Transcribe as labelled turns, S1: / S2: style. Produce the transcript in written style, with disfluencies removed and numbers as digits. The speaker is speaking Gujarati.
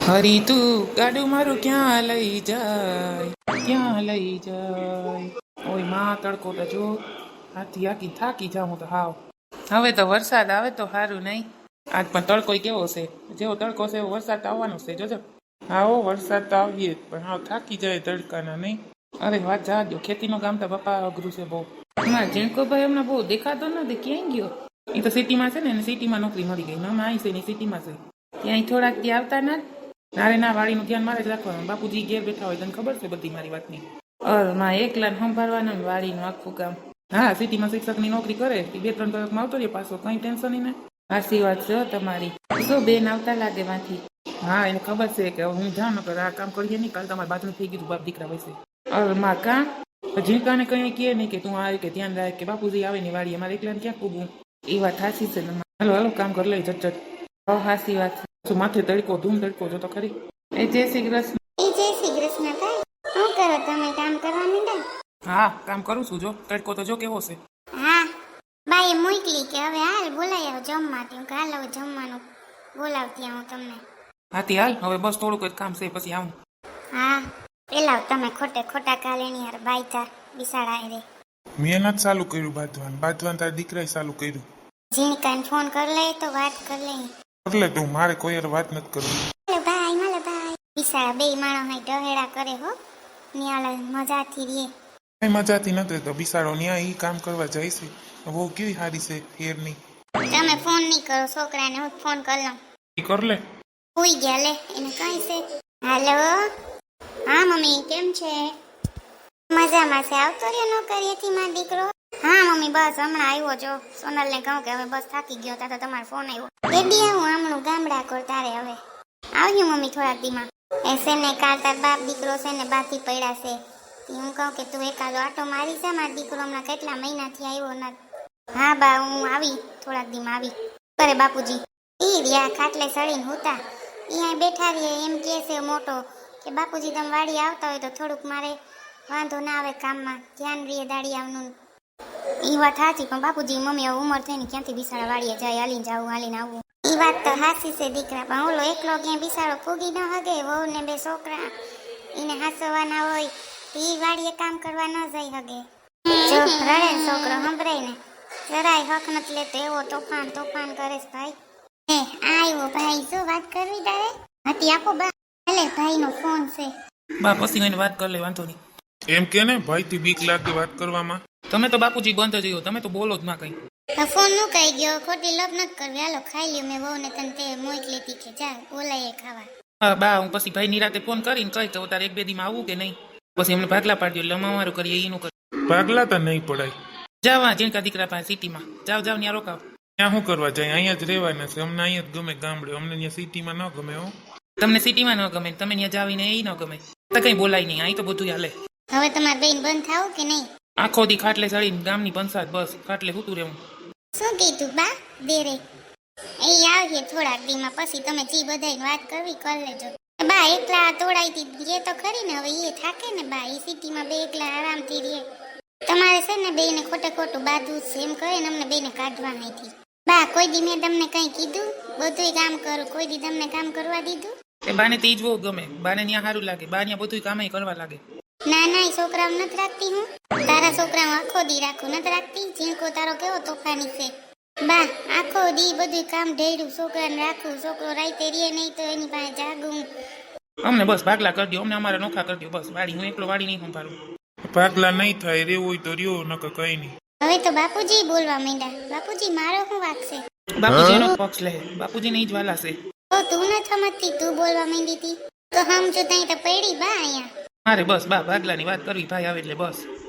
S1: હરી તું ગાડું મારું ક્યાં લઈ જાય, ક્યાં લઈ જાય. ઓય માં તડકો તો જો, હાથી હાકી થાકી જાઉં હું તો હાવ. હવે તો વરસાદ આવે તો સારું નહીં. આજ પણ તડકો કેવો છે, જેવો તડકો છે એવો વરસાદ તો આવવાનો છે જોજો. હા વરસાદ તો આવીએ પણ હાવ થાકી જાય તડકાના નહીં. અરે વાત જા દો, ખેતીનું કામ તો પપ્પા અઘરું છે બહુ. મારા ઝીણકોભાઈ હમણાં બહુ દેખાતો નથી, ક્યાંય ગયો? એ તો સિટીમાં છે ને, એને સિટીમાં નોકરી મળી ગઈ. ના અહીં છે ને સિટીમાં છે, ક્યાંય થોડાક દી આવતા ના. નારે ના, વાડીનું ધ્યાન મારે જ રાખવાનું. બાપુજી ઘેર બેઠા હોય, તને ખબર છે બધી મારી વાતની. માં એકલા સંભાળવાનું વાડીનું આખું કામ. હા, સિટીમાં શિક્ષકની નોકરી કરે, 2-3 કલાકમાં આવતો રહે પાછો, કઈ ટેન્શન નહીં ને. સાચી વાત છે તમારી. શું બેન આવતા લાગે માંથી? હા, એને ખબર છે કે હું જાઉં ને આ કામ કરીએ નહીં, કાલ તમારે બાજુ થઈ ગયું બાપ દીકરા વૈસે. માં કાં જીકાને કઈ કહે નહીં કે તું આવે કે ધ્યાન રાખ કે બાપુજી આવે ની વાડી, અમારે એકલાને ક્યાં પૂગવું. એ વાત સાચી છે ને. હાલો હાલો કામ કરી લઈ ઝટ. સાચી વાત છે. માથે તડકો ધૂમ તડકો જો તો ખરી. એ જય શ્રી કૃષ્ણ.
S2: એ જય શ્રી કૃષ્ણ ભાઈ. શું કરો તમે? કામ કરવા માંડ્યા?
S1: હા, કામ કરું છું જો. તડકો તો જો કેવો છે.
S2: હા, બાઈએ મોકલી કે હવે હાલ બોલાઈ આવો જમવા. તેમ કે હાલ હવે જમવાનું બોલાવતી આવું તમને.
S1: હાથી હાલ, હવે બસ થોડુંક જ કામ છે પછી આવું.
S2: હા, પેલા તમે ખોટા કાલે ની યાર બાઈતા બિસાડા રે.
S3: મેં નથી ચાલુ કર્યું બાંધવાનું તારા દીકરાએ ચાલુ કર્યું.
S2: જીણકાને ફોન કરી લે તો વાત કરી લે.
S3: એટલે તું મારે કોઈ યાર વાત નથી કરવી.
S2: માલે ભાઈ બિસાડા બે માણસ હાઈ ડહેડા કરે હો. નિયાળ મજાથી રે.
S3: કઈ મજાથી નથી તો બિસાડો ન્યા ઈ કામ કરવા જાય છે. બહુ કેવી સારી છે ફેરની.
S2: તમે ફોન નહીં કરો છોકરાને, હું ફોન કરી લઉં.
S3: કર લે.
S2: હુઈ ગયા લે, એને કઈ છે. હાલો, હા મમ્મી કેમ છે? મજામાં છે. આવતો રહ્યો નોકરીએથી મારો દીકરો? હા મમ્મી બસ હમણાં આવ્યો જો. સોનલને કહું કે હવે બસ થાકી ગયો તા તો તમારો ફોન આવ્યો. બેબી આવું હમણાં ગામડા કોર તારે હવે આવ્યું મમ્મી થોડાક દીમાં. એસે ને કાલ તાર બાપ દીકરો છે ને બાથી પડ્યા છે. હું કહું કે તું એકાદો આટો મારી છે, મારો દીકરો હમણાં કેટલા મહિનાથી આવ્યો નથી. હા બા હું આવી થોડાક દીમાં આવી. કરે બાપુજી ઈ રહ્યા ખાટલે સળીને હોતા. અહીંયા બેઠા રહીએ એમ કહે છે મોટો કે બાપુજી તમે વાડી આવતા હોય તો થોડુંક મારે વાંધો ના આવે કામમાં, ધ્યાન રહીએ દાડી આવનું. એ વાત સાચી પણ બાપુજી મમ્મી હવે ઉંમર થઈને ક્યાંથી બિસાડા વાડીએ જાય, હાલીને જાવું હાલીને આવવું. એ વાત તો સાચી છે દીકરા, પણ ઓલો એકલો ક્યાંય બિસાડો ફૂગી ન હગે. વહુ ને બે છોકરા એને હાસવાના હોય એ વાડીએ કામ કરવા ન જઈ હગે. જો રડે ને છોકરો સંભળાય ને જરાય હક નથી લેતો, એવો તોફાન કરે છે ભાઈ. હે આવ્યો ભાઈ, શું વાત કરવી તારે? હતી આપો બા. ભલે ભાઈનો ફોન છે.
S1: બા પછી એને વાત કરી લે, વાંધો નહીં.
S3: એમ કે ને ભાઈ થી બીક લાગે વાત કરવામાં.
S1: તમે તો બાપુજી બંધ જ, તમે તો બોલો જ ના કઈ.
S2: તો ફોન મુકાઈ ગયો, ખોટી લપ નથી કરવી. હાલો ખાઈ લ્યો. મેં વહુ ને તને તે મોકલી હતી કે જા બોલાય ખાવા.
S1: હા બા, હું પછી ભાઈ નિરાતે ફોન કરીને કહી તો તારે 1-2 દીમાં આવું કે નહીં. પછી એમને ભાગલા પાડ્યો એટલે અમારું કરીએ એનું કરીએ.
S3: ભાગલા તો નહીં પડાય.
S1: જાવા જીણકા દીકરા પાસે સિટીમાં જાવ ત્યાં રોકાવ.
S3: ત્યાં શું કરવા જાય? અહીંયા જ રહેવાના છે. અમને અહીંયા જ ગમે ગામડે, અમને ત્યાં સિટીમાં ન ગમે. હો
S1: તમને સિટીમાં ન ગમે, તમે ત્યાં જાવીને એ ન ગમે તો કઈ બોલાય નહીં. અહીં તો બધું હાલે.
S2: હવે તમારે બેન બંધ થાવ કે નહીં?
S1: આખો દી ખાટલે ચડીને ગામની પંચાયત, બસ ખાટલે સૂતું રહેવું.
S2: શું કીધું બા દેરે? એ આવીએ થોડાક દીમાં પછી તમે જી બધાની વાત કરવી કરી લેજો. બા એકલા તોડાઈથી રે તો ખરી ને, હવે એ થાકે ને બા. એ સિટીમાં બે એકલા આરામથી રે. તમારે છે ને બેને ખોટું બાંધવું છે એમ કહે ને, અમને બેને કાઢવા નથી. બા કોઈ દી મેં તમને કઈ કીધું? બધું કામ કરું, કોઈ દી તમને કામ કરવા દીધું?
S1: એ બાને તે જ બહુ ગમે, બાને ત્યાં સારું લાગે, બા ત્યાં બધું કામ કરવા લાગે.
S2: ના એ છોકરાઓ નથી રાખતી હું. તારા છોકરાઓ આખો દી રાખું નથી રાખતી. ઝીણકો તારો કેવો તોફાની છે બા. આખો દી બધું કામ ઢેડું છોકરાને રાખું. છોકરો રાતે રે નહીં તો એની પાસે જાગું.
S1: અમને બસ ભાગલા કરી દો, અમને અમારા નોખા કરી દો બસ. વાડી હું એકલો વાડી નહીં સંભાળું.
S3: ભાગલા નહીં થાય, રેવું હોય તો રહ્યો, નકર કઈ નહીં.
S2: હવે તો બાપુજી બોલવા માંડ્યા. બાપુજી મારો શું વાક છે?
S1: બાપુજીનો પક્ષ લે, બાપુજીને ઈ જ વાલા છે.
S2: તો તું નથી સમજતી, તું બોલવા માંડી હતી તો સમજો તઈ તો પડી બા અહીંયા.
S1: મારે બસ બા ભાગલાની વાત કરવી, ભાઈ આવે એટલે બસ.